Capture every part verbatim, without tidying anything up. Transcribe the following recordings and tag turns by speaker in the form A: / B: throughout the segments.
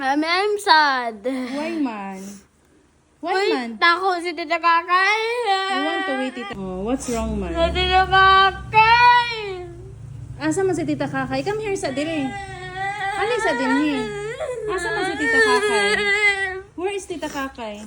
A: I'm, I'm sad.
B: Why man? Why
A: Uy,
B: man?
A: tako si Tita Kakay.
B: You want to wait it. Oh, what's wrong
A: Si
B: man?
A: Tita Kakay.
B: Asa man si Tita Kakay? Come here sa dire. Ano sa dinhi? Asa man si Tita Kakay? Where is Tita Kakay?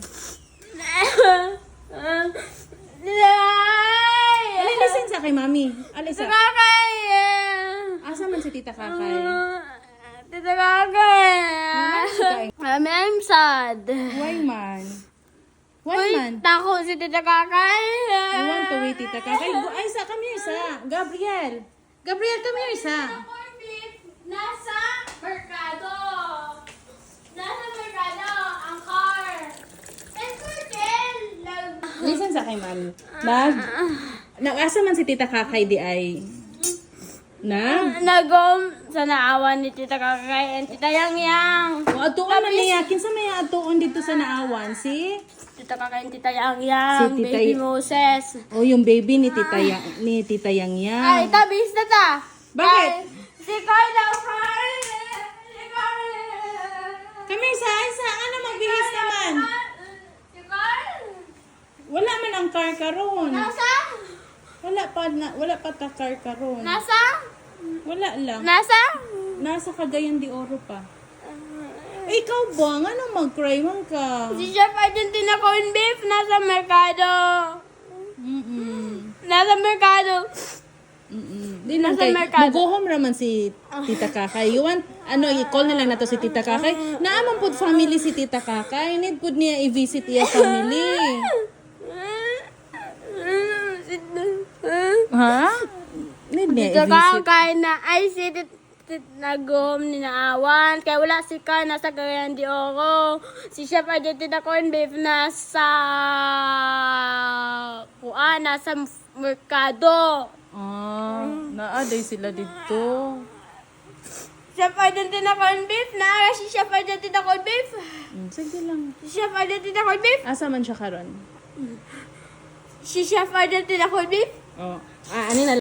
B: Ali, listen sa kay mami.
A: Tita
B: Alisa.
A: Kakay.
B: Asa man si Tita Kakay?
A: Tita Kakay.
B: Kakay.
A: I'm, I'm sad.
B: Why man? Why
A: Uy,
B: man?
A: tako si Tita Kakay.
B: You want to wait Tita Kakay? Go- Ay, sa, come here sa. Gabriel. Gabriel, come here sa.
A: Nasa merkado. Nasa merkado ang car. And Virgil, nag-
B: Listen sa kay mami. Nag, nag-asa man si Tita Kakay di ay. Nag?
A: nagom sa naawan ni Tita Kakay and Tita Yang Yang.
B: O, atuon man niya. Kinsa may atuon dito sa naawan, si?
A: Tita Kakay and Tita Yang Yang.
B: Si Tita
A: Baby
B: Y-
A: Moses.
B: O, yung baby ni Tita, ya, ni Tita Yang
A: Ay,
B: Yang.
A: tabis na ta.
B: Bakit?
A: Ay, si Carla, Carla. Si Carla.
B: Come here sa, ay sa, ano magbihis naman?
A: Si Carla.
B: Wala man ang car karon.
A: Nasa?
B: Wala pa, na, wala pa ta car karon.
A: Nasa?
B: Wala lang.
A: Nasa?
B: Nasa Cagayan de Oro pa. Eh, ikaw ba? Ano mag-cry man ka?
A: Si Chef Argentina corn beef nasa merkado.
B: Mm-mm.
A: Nasa merkado.
B: Mm-mm. Di lang
A: Nasa
B: kay,
A: merkado.
B: mugohom raman si Tita Kakay. You want, ano, i-call na lang nato si Tita Kakay. Naaman po family si Tita Kakay. Need po niya i-visit iya family. Ha? Need niya
A: Dito
B: i-visit.
A: ka kay na ay si tit- tit- nagom ni naawan. Kaya wala si Kai nasa Cagayan de Oro. Si Chef Argentina corn beef nasa kuan nasa merkado.
B: Ah, naaday sila dito.
A: Chef Argentina corn beef na si Chef Argentina corn beef.
B: Mm, sige lang.
A: Si Chef Argentina corn beef.
B: Asa man siya karon?
A: Si Chef Argentina corn beef.
B: Oh. Ah, ano na